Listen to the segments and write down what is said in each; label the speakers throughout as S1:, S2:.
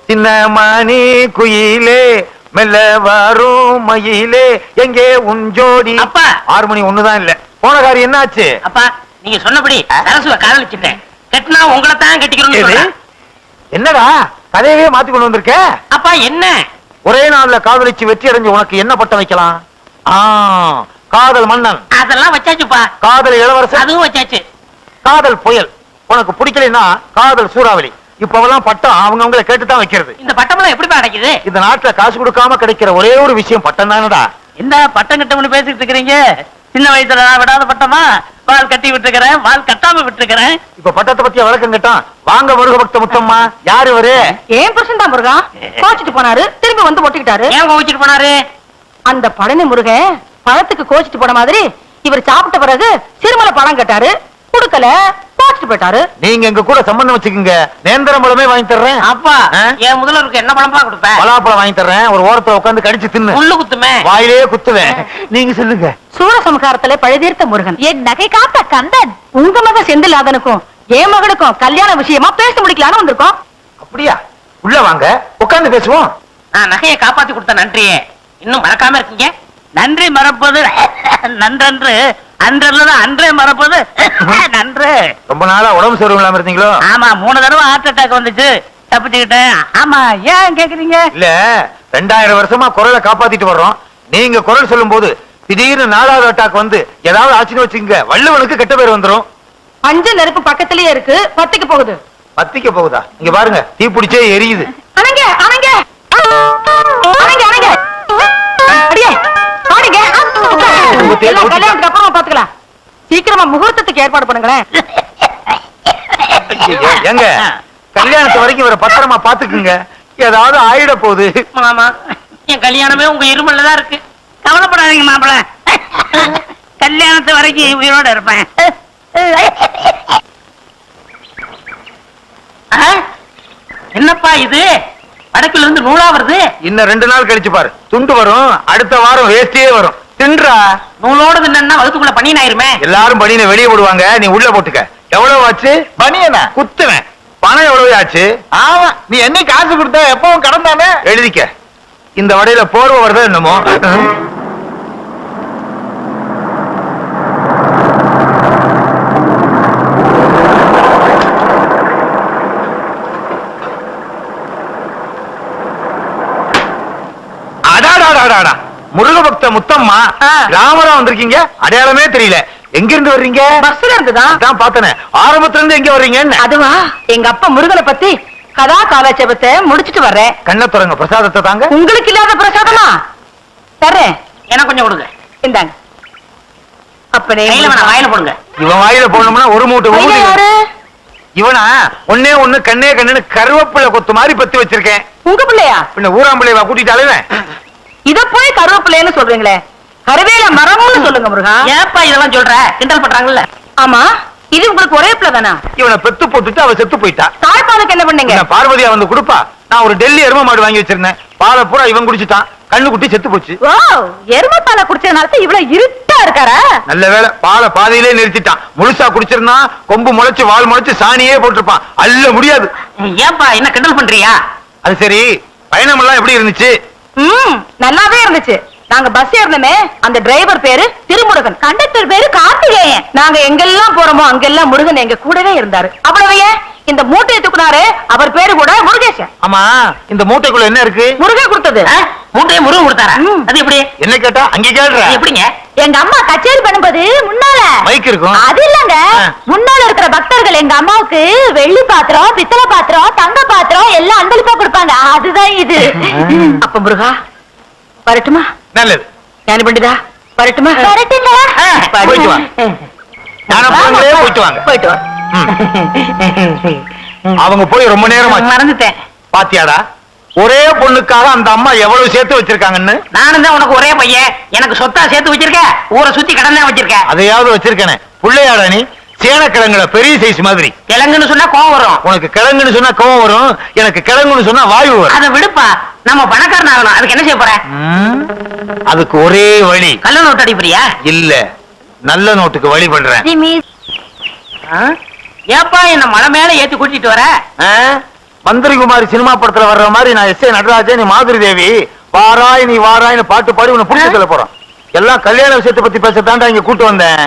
S1: சின்ன மணி குயிலே மெல்ல வரும் மயிலே எங்கே உன் ஜோடி.
S2: அப்பா
S1: 6 மணி ஒண்ணுதான் இல்ல. போன காரியம் என்னாச்சு?
S2: அப்பா நீங்க சொன்னபடி சரசுவ காதலிச்சுட்டேன். கட்டினா உங்களை தான் கட்டிக்கணும்.
S1: என்னடா கதையவே மாத்தி கொண்டு வந்திருக்க?
S2: அப்பா என்ன
S1: ஒரே நாள்ல காதலிச்சு வெற்றி அடைஞ்சு உனக்கு என்ன பட்டம் வைக்கலாம்? காதல் மன்னன்.
S2: அதெல்லாம் வச்சாச்சுப்பா.
S1: காதல் இளவரசன்.
S2: அதுவும் வச்சாச்சு.
S1: காதல் புயல். உனக்கு பிடிக்கலைன்னா காதல் சூறாவளி. இப்பவெல்லாம் பட்டம் அவங்கவுங்களை கேட்டுதான் வைக்கிறது.
S2: இந்த பட்டம் எப்படி கிடைக்குது?
S1: இந்த நாட்டுல காசு கொடுக்காம கிடைக்கிற ஒரே ஒரு விஷயம் பட்டம் தானடா.
S2: இந்த பட்டம் கட்டம்னு பேசிட்டு இருக்கிறீங்க. சின்ன வயசுல நான் விடாத பட்டமா வால் கட்டி விட்டுருக்கிறேன், வால் கட்டாம விட்டுருக்கிறேன்.
S1: இப்ப பட்டத்தை பத்திய வழக்கம் கேட்டான். வாங்க முருக பக்த முத்தம்மா. யாரு இவரு?
S3: ஏன் புருஷன் தான் முருகா. கோச்சிட்டு போனாரு, திரும்பி வந்து ஒட்டிக்கிட்டாரு.
S2: ஏன் கோச்சிட்டு போனாரு?
S3: அந்த பழனி முருகன் பழத்துக்கு கோச்சிட்டு போன மாதிரி இவர் சாப்பிட்ட பிறகு சிறுமலை பழம் கேட்டாரு, குடுக்கல, கோச்சிட்டு போயிட்டாரு.
S1: நீங்க எங்க கூட சம்பந்தம் வச்சுக்கீங்க. நேந்திரம் பழமே வாங்கி தர்றேன்.
S2: அப்பா என் முதல்வருக்கு என்ன பழம்பா கொடுப்பேன்?
S1: பலாப்பழம் வாங்கி தர்றேன். ஒரு ஓரத்துல உட்காந்து கடிச்சு தின்னு.
S2: முள்ளு குத்துமே.
S1: வாயிலே குத்துவேன். நீங்க சொல்லுங்க.
S3: சூரசம்ஹாரத்துல பழுதீர்த்த முருகன், என் நகை காத்த கந்தன், உங்க மக செந்திலாதனுக்கும் என் மகனுக்கும் கல்யாண விஷயமா பேசி முடிக்கலான்னு வந்திருக்கோம்.
S1: அப்படியா? உள்ள வாங்க, உட்கார்ந்து பேசுவோம்.
S2: நான் நகையை காப்பாத்தி கொடுத்த நன்றியே இன்னும் மறக்காம இருக்கீங்க. நன்றி மறப்பது நன்றன்று, அன்றல்லதான் அன்றே மறப்பது நன்று.
S1: ரொம்ப நாளா உடம்பு சரிவு இல்லாம இருந்தீங்களோ?
S2: ஆமா 3 தடவை ஹார்ட் அட்டாக் வந்துச்சு, தப்பிச்சுக்கிட்டேன். ஆமா ஏன் கேக்குறீங்க?
S1: இல்ல 2000 வருஷமா குரலை காப்பாத்திட்டு வர்றோம். நீங்க குரல் சொல்லும் போது திடீர்னு 4வது அட்டாக் வந்து ஏதாவது ஆச்சுன்னு வச்சுங்க, வள்ளுவனுக்கு கெட்ட பேர் வந்துரும்.
S3: அஞ்சு நெருப்பு பக்கத்திலேயே இருக்கு, பத்திக்க போகுது.
S1: பத்திக்க போகுதா? இங்க பாருங்க, தீ பிடிச்சே எரியுது.
S3: அணங்க அணங்க அணங்க அணங்க அடியே பாருங்க. கல்யாணத்துக்கு அப்புறமா பாத்துக்கலாம். சீக்கிரமா முகூர்த்தத்துக்கு ஏற்பாடு பண்ணுங்களேன்.
S1: எங்க கல்யாணத்து வரைக்கும் இவரை பத்திரமா பாத்துக்குங்க. ஏதாவது ஆயிட போகுது.
S2: ஆமா என் கல்யாணமே உங்க இருமல்ல தான் இருக்கு. கவலைப்படாதீங்க மாப்பிள, கல்யாணத்து வரைக்கும் உயிரோட இருப்பேன். என்னப்பா இது? வடக்குல இருந்து நூலா வருது.
S1: இன்னும் 2 நாள் கழிச்சு பாரு, துண்டு வரும். அடுத்த வாரம் வேஸ்டியே வரும். தின்றா.
S2: நூலோட தின்னா வகுத்துக்குள்ள பனியன் ஆயிருமே.
S1: எல்லாரும் பனியனை வெளியே போடுவாங்க, நீ உள்ள போட்டுக்க. எவ்வளவு ஆச்சு? பனியனா குத்துவேன். பணம் எவ்வளவு ஆச்சு? ஆமா, நீ என்ன காசு கொடுத்த? எப்பவும் கடன் தானே. எழுதிக்க. இந்த வடையில போர்வை வருதா என்னமோ. முருக பக்த முத்தம்மா, ராமரா வந்திருக்கீங்க. அடையாளமே தெரியல. எங்க இருந்து வர்றீங்க?
S3: பஸ்ல இருந்துதான்
S1: பார்த்தனே. ஆரம்பத்துல இருந்து எங்க வர்றீங்க?
S3: அதுவா, எங்க அப்பா முருகனை பத்தி கதா காலட்சேபத்தை முடிச்சிட்டு வர்றேன்.
S1: கண்ண துறங்க, பிரசாதத்தை தாங்க.
S3: உங்களுக்கு இல்லாத பிரசாதமா? தர்றேன்.
S2: எனக்கு கொஞ்சம் கொடுங்க.
S3: இந்தாங்க. அப்பனே
S2: வாயில போடுங்க.
S1: இவன் வாயில போடணும்னா ஒரு மூட்டை. இவனா ஒன்னே ஒண்ணு கண்ணே கண்ணுன்னு கருவேப்பிலை கொத்து மாதிரி பத்தி வச்சிருக்கேன்.
S3: உங்க பிள்ளையா?
S1: பின்ன ஊராம்பிள்ளைவா கூட்டிட்டு அழுவேன்.
S3: இத போய் கருவேப்பிள்ளைன்னு சொல்றீங்களே, கருவேல மரம்னு சொல்லுங்க முருகா.
S2: ஏப்பா இதெல்லாம் சொல்ற? கிண்டல் பண்றாங்கல்ல.
S3: ஆமா, இது உங்களுக்கு ஒரே பிள்ளை தானா?
S1: இவனை பெத்து போட்டுட்டு அவ செத்து போயிட்டா.
S3: தாய்ப்பாலுக்கு என்ன பண்ணீங்க?
S1: பார்வதியா வந்து கொடுப்பா. நான் ஒரு டெல்லி எரும மாடு வாங்கி வச்சிருந்தேன். பாலை பூரா இவன் குடிச்சிட்டான். கண்ணு குட்டி செத்து போச்சு.
S3: ஓ, எரும பாலை குடிச்சதுனால இவ்வளவு இருட்டா இருக்காரா?
S1: நல்ல வேளை, பாலை பாதையிலே நிறுத்திட்டான். முழுசா குடிச்சிருந்தா கொம்பு முளைச்சு வால் முளைச்சு சாணியே போட்டிருப்பான். அள்ள முடியாது.
S2: ஏப்பா என்ன கிண்டல் பண்றியா?
S1: அது சரி, பயணம் எல்லாம் எப்படி இருந்துச்சு?
S3: நல்லாவே இருந்துச்சு. நாங்க பஸ் ஏறணுமே, அந்த டிரைவர் பேரு திருமுருகன், கண்டக்டர் பேரு கார்த்திகேயன். நாங்க எங்கெல்லாம் போறோமோ அங்கெல்லாம் முருகன் எங்க கூடவே இருந்தாரு. அவ்வளவையே இந்த மூட்டையை தூக்குனாரு, அவர் பேரு கூட முருகேசன்.
S1: ஆமா, இந்த மூட்டைக்குள்ள என்ன இருக்கு?
S3: முருகன் கொடுத்தது.
S2: மூட்டையை முருகன் கொடுத்தாரா? அது எப்படி?
S1: என்ன கேட்டா அங்க கேள்ற.
S2: எப்படிங்க?
S3: எங்க அம்மா கச்சேரி பண்ணும்போது முன்னால
S1: மைக் இருக்கும்.
S3: அது இல்லங்க, முன்னால இருக்கிற பக்தர்கள் எங்க அம்மாவுக்கு வெள்ளி பாத்திரம், பித்தளை பாத்திரம், தங்க பாத்திரம் எல்லாம் அன்பளிப்பா கொடுப்பாங்க. அதுதான் இது. அப்ப முருகா வரட்டுமா?
S1: நல்லது.
S3: ஞான பண்டிதா வரட்டுமா?
S1: போயிட்டு வா. போயிட்டு வாங்க.
S3: போயிட்டு வா.
S1: அவங்க போய் ரொம்ப நேரம்
S2: மறந்துட்டேன்.
S1: பாத்தியாடா, ஒரே பொண்ணுக்காக அந்த அம்மா எவ்வளவு சேர்த்து வச்சிருக்காங்கன்னு.
S2: நானும் தான் உனக்கு ஒரே பையன், எனக்கு சொத்தா சேர்த்து வச்சிருக்க. ஊரை சுத்தி கடன் தான் வச்சிருக்க.
S1: அதையாவது வச்சிருக்கேனே. புள்ளையாடா நீ? சேனக்கிழங்குல பெரிய சைஸ் மாதிரி.
S2: கிழங்குன்னு சொன்னா கோவம் வரும்.
S1: உனக்கு கிழங்குன்னு சொன்னா கோவம் வரும், எனக்கு கிழங்குன்னு சொன்னா வாயு வரும்.
S2: அதை விடுப்பா, நம்ம பணக்காரன் ஆகணும். அதுக்கு என்ன செய்ய போற?
S1: அதுக்கு ஒரே வழி.
S2: கள்ள நோட்டு அடிப்பறியா?
S1: இல்ல, நல்ல நோட்டுக்கு வழி பண்றேன்.
S2: ஏப்பா என்ன மலை மேல ஏத்தி கூட்டிட்டு வர?
S1: மந்திரிகுமாரி சினிமா படத்துல வர்ற மாதிரி நான் எஸ் ஏ நடராஜன், நீ மாதுரி தேவி, வாராய் நீ வாராய்னு பாட்டு பாடி உன்னை புடிச்சு சொல்ல போறோம். எல்லாம் கல்யாண விஷயத்தை பத்தி பேசத்தாண்டா இங்க கூட்டு வந்தேன்.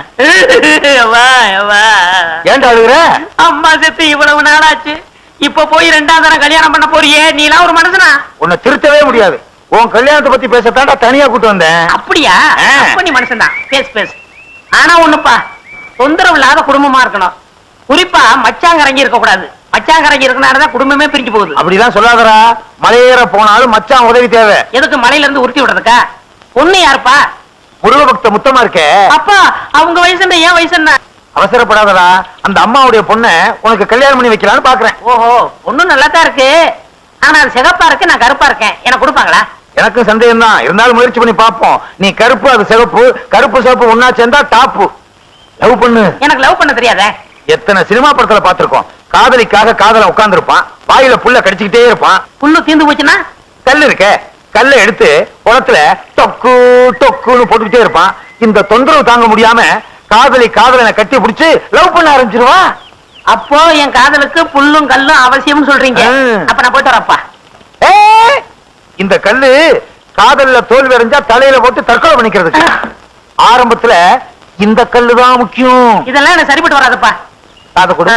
S1: ஏன்டா அழுகுற?
S2: அம்மா செத்து இவ்வளவு நாளாச்சு, இப்ப போய் 2ஆம் தடவை கல்யாணம் பண்ண போறியே, நீ எல்லாம் ஒரு மனுஷனா?
S1: உன்னை திருத்தவே முடியாது. உன் கல்யாணத்தை பத்தி பேசத்தாண்டா தனியா கூட்டு வந்தேன்.
S2: அப்படியா? அப்ப நீ மனுஷன் தான், பேசு பேசு. ஆனா ஒண்ணுப்பா, தொந்தரவு இல்லாத குடும்பமா இருக்கணும். குறிப்பா மச்சாங்கரங்கி இருக்க கூடாது. மச்சாங்கரங்கி இருக்கனாலதான் குடும்பமே பிரிஞ்சு போகுது.
S1: அப்படிலாம் சொல்லாதடா. மலையேற போனாலும் மச்சான் உதவி தேவை.
S2: எதுக்கு மலையில இருந்து உருட்டி விடுறதுக்கா? பொண்ணு யாருப்பா?
S1: முருக பக்த முத்தமா இருக்கே.
S2: அப்பா அவங்க வயசு என்ன, ஏன் வயசு என்ன?
S1: அவசரப்படாதடா. அந்த அம்மாவுடைய பொண்ணை உனக்கு கல்யாணம் பண்ணி வைக்கலான்னு பாக்குறேன்.
S2: ஓஹோ, பொண்ணு நல்லா தான் இருக்கு. ஆனா அது சிகப்பா இருக்கு, நான் கருப்பா இருக்கேன். எனக்கு கொடுப்பாங்களா?
S1: எனக்கு சந்தேகம் தான், இருந்தாலும் முயற்சி பண்ணி பாப்போம். நீ கருப்பு, அது சிவப்பு. கருப்பு சிவப்பு ஒன்னா சேர்ந்தா டாப்பு. லவ் பண்ணு.
S2: எனக்கு லவ் பண்ண தெரியாதே.
S1: எத்தனை சினிமா படத்துல பாத்திருக்கோம். காதலிக்காக காதல உட்கார்ந்து இருப்பான், வாயில புல்ல கடிச்சுக்கிட்டே இருப்பான்.
S2: புல்லு தீந்து போச்சுன்னா
S1: கல்லு இருக்க, கல்ல எடுத்து குளத்துல டொக்கு டொக்குன்னு போட்டுக்கிட்டே இருப்பான். இந்த தொந்தரவு தாங்க முடியாம காதலனை கட்டி பிடிச்சு லவ் பண்ண ஆரம்பிச்சிருவான்.
S2: அப்போ என் காதலுக்கு புல்லும் கல்லும் அவசியம்னு சொல்றீங்க. அப்ப நான் போயிட்டு வரப்பா.
S1: இந்த கல்லு காதல்ல தோல்வி அடைஞ்சா தலையில போட்டு தற்கொலை பண்ணிக்கிறதுக்கு. ஆரம்பத்துல இந்த கல்லு தான் முக்கியம்.
S2: இதெல்லாம் எனக்கு சரிப்பட்டு வராதுப்பா.
S1: காதை கொடு.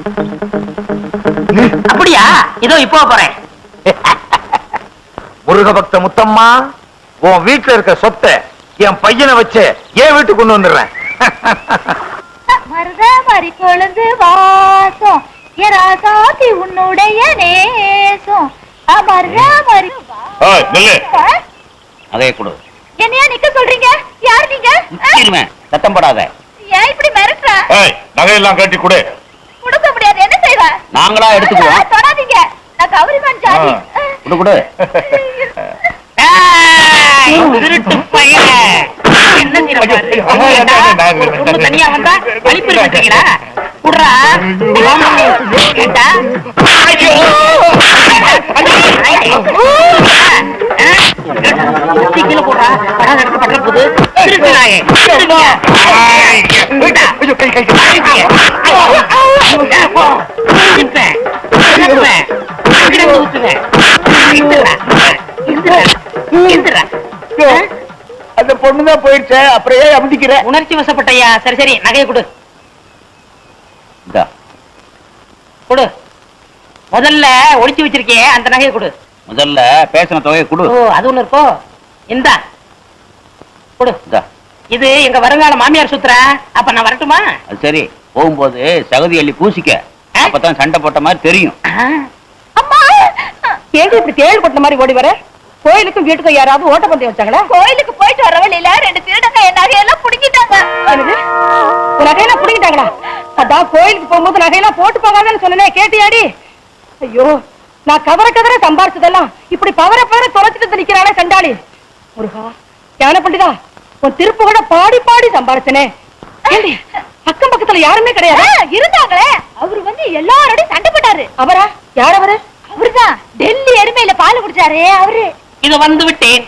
S2: அப்படியா? இதோ இப்போ போறேன்.
S1: முருக பக்த முத்தம்மா, உன் வீட்டுல இருக்க சொத்தை என் பையனை வச்சு என் வீட்டுக்கு கொண்டு வந்துடுறேன்.
S4: மருத மறி கொழுந்து வாசம் எராசாத்தி உன்னுடைய நேசம் மருத மறி.
S2: அதே கொடு.
S4: என்னையா நிக்க சொல்றீங்க? யார் நீங்க?
S2: சத்தம் போடாத.
S4: ஏன் இப்படி மிரட்டுற?
S1: நகையெல்லாம் கட்டி கொடு.
S4: கொடுக்க முடியாது. என்ன செய்வ?
S2: நாங்களா எடுத்துக்குவோம்.
S4: தொடாதீங்க, நான் கௌரிமான் ஜாதி.
S2: கொடு கொடு. திருட்டு பையன். என்ன தனியா வந்தா கழிப்பு வச்சீங்களா? குடுறா. கேட்டா கீழே போடுறா. படம் எடுத்து பண்ற போது திருட்டுறாயே.
S1: அந்த பொண்ணுதான் போயிடுச்சு, அப்புறம் ஏன் அமுதிக்கிற?
S2: உணர்ச்சி வசப்பட்டையா? சரி சரி, நகையை கொடு. கொடு. முதல்ல ஒளிச்சு வச்சிருக்கே அந்த நகையை கொடு.
S5: முதல்ல பேசின தொகையை கொடு.
S2: ஓ, அது ஒண்ணு இருக்கோ? இந்தா கொடு. இது எங்க வருங்கால மாமியார் சுத்துற. அப்ப நான் வரட்டுமா?
S5: அது சரி, போகும்போது சகதி அள்ளி பூசிக்க, அப்பதான் சண்டை போட்ட மாதிரி தெரியும்.
S3: அம்மா, ஏங்க இப்படி தேள் கொட்ட மாதிரி ஓடி வர? கோயிலுக்கும் வீட்டுக்கும் யாராவது ஓட்டப்பந்தயம் வச்சாங்களா?
S4: கோயிலுக்கு போயிட்டு வர வழியில 2 திருடங்க என் நகையெல்லாம் புடுங்கிட்டாங்க.
S3: என்னது? உன் நகையெல்லாம் புடுங்கிட்டாங்களா? அதான் கோயிலுக்கு போகும்போது நகையெல்லாம் போட்டு போகாதன்னு சொன்னேன், கேட்டியாடி? ஐயோ, நான் கதற சம்பாரிச்சதெல்லாம் இப்படி பவர தொலைச்சிட்டு நிக்கிறானே சண்டாளி. முருகா, ஞான பண்டிதா, உன் திருப்பு கூட பாடி பாடி சம்பாரிச்சனே. அக்கம் பக்கத்துல யாருமே கிடையாது.
S4: இருந்தாங்களே, அவரு வந்து எல்லாரோடையும் சண்டை போட்டாரு.
S3: அவரா? யார் அவரு?
S4: அவருதான் டெல்லி எருமையில பால் குடிச்சாரு அவரு.
S2: இத வந்து விட்டேன்.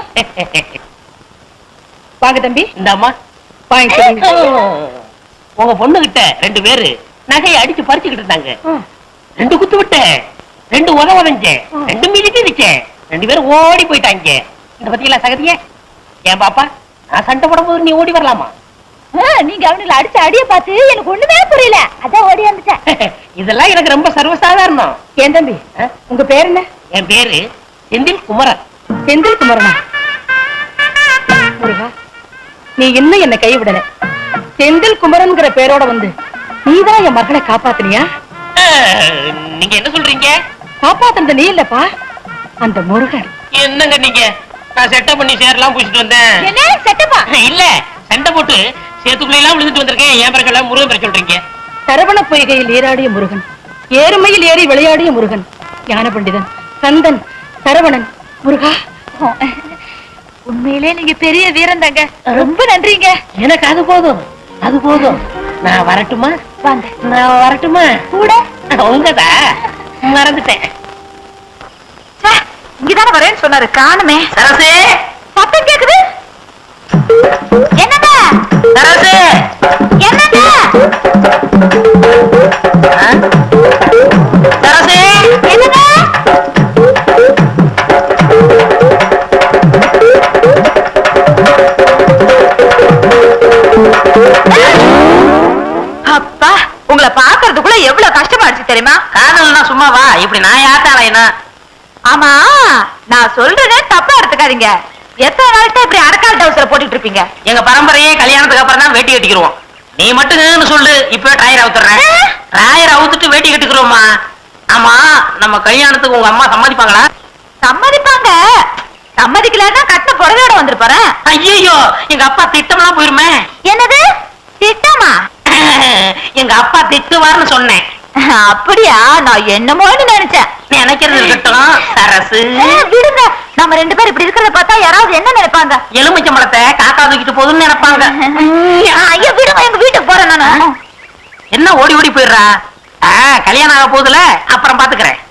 S3: வாங்க தம்பி.
S2: இந்த அம்மா
S3: வாங்க.
S2: உங்க பொண்ணு கிட்ட 2 பேரு நகையை அடிச்சு பறிச்சுக்கிட்டு இருந்தாங்க. 2 குத்து விட்டேன், 2 உதவதஞ்சேன், 2 மிதிட்டு வச்சேன். 2 பேரும் ஓடி போயிட்டாங்க. இந்த பத்தியெல்லாம் சகதியே. ஏன் பாப்பா, நான் சண்டை போடும் போது நீ ஓடி வரலாமா?
S4: நீங்க அவனுக்கு அடிச்ச அடிய பார்த்து எனக்கு ஒண்ணுமே புரியல, அதான் ஓடி வந்துட்டேன்.
S2: இதெல்லாம் எனக்கு ரொம்ப சர்வசாதாரணம்.
S3: ஏன் தம்பி, உங்க பேர் என்ன?
S2: என் பேரு செந்தில் குமரன்.
S3: செந்தில் குமரனா? முருகா, நீ இன்னும் என்ன கைவிடல. செந்தில் குமரன்ங்கிற பேரோட வந்து நீதான் என் மகனை காப்பாத்தினியா?
S2: நீங்க என்ன சொல்றீங்க?
S3: காப்பாத்துறது நீ இல்லப்பா, அந்த முருகன்.
S2: என்னங்க நீங்க? நான் செட்டப் பண்ணி சேரலாம் பூசிட்டு வந்தேன்.
S4: என்ன செட்டப்பா?
S2: இல்ல, சண்டை போட்டு சேத்துக்குள்ள எல்லாம் விழுந்துட்டு வந்திருக்கேன். ஏன் பிறகு முருகன் பேர் சொல்றீங்க?
S3: சரவண பொய்கையில் ஏறாடிய முருகன், ஏறுமையில் ஏறி விளையாடிய முருகன், ஞான பண்டிதன், கந்தன், சரவணன். முருகா,
S4: உண்மையிலே நீங்க பெரிய வீரன் தாங்க. ரொம்ப நன்றிங்க.
S2: எனக்கு அது போதும், அது போதும். நான் வரட்டுமா?
S4: வாங்க.
S2: நான் வரட்டுமா?
S4: கூட
S2: உங்கதா மறந்துட்டேன்.
S3: இங்கதானே வரேன்னு சொன்னாரு, காணுமே.
S2: சரசே,
S4: சத்தம் கேக்குது. என்னங்க?
S2: சரசே,
S4: என்னங்க?
S2: சரசே,
S4: என்னங்க?
S3: தெரியுமா?
S2: காதல்னா சும்மாவா இப்படி நான் யாத்தாலைனா?
S3: ஆமா, நான் சொல்றதே தப்பா எடுத்துக்காதீங்க. எத்தனை நாள்கிட்ட இப்படி அடக்கால் டவுசரை போட்டுட்டு இருப்பீங்க?
S2: எங்க பரம்பரையே கல்யாணத்துக்கு அப்புறம் தான் வேட்டி கட்டிக்கிறோம். நீ மட்டும் சொல்லு, இப்ப டயர் அவுத்துறேன். டயர் அவுத்துட்டு வேட்டி கட்டிக்கிறோமா? ஆமா, நம்ம கல்யாணத்துக்கு உங்க அம்மா சம்மதிப்பாங்களா?
S3: சம்மதிப்பாங்க. சம்மதிக்கலன்னா கட்ட புடவையோட வந்துருப்பாரு.
S2: ஐயோ, எங்க அப்பா திட்டம்லாம் போயிருமே.
S3: என்னது திட்டமா?
S2: எங்க அப்பா திட்டுவார்னு சொன்னேன்.
S3: அப்படியா? நான் என்னமோன்னு நினைச்சேன்.
S2: நினைக்கிறது இருக்கட்டும் சரசு.
S3: விடுங்க, நம்ம ரெண்டு பேரும் இப்படி இருக்கிறத பார்த்தா யாராவது என்ன நினைப்பாங்க?
S2: எலுமிச்சம்பழத்தை காக்கா தூக்கிட்டு போகுதுன்னு நினைப்பாங்க.
S3: ஐயோ விடுங்க, எங்க வீட்டுக்கு போறேன் நானு.
S2: என்ன ஓடி ஓடி போயிடுறா? கல்யாணம் ஆக போகுதுல, அப்புறம் பாத்துக்கிறேன்.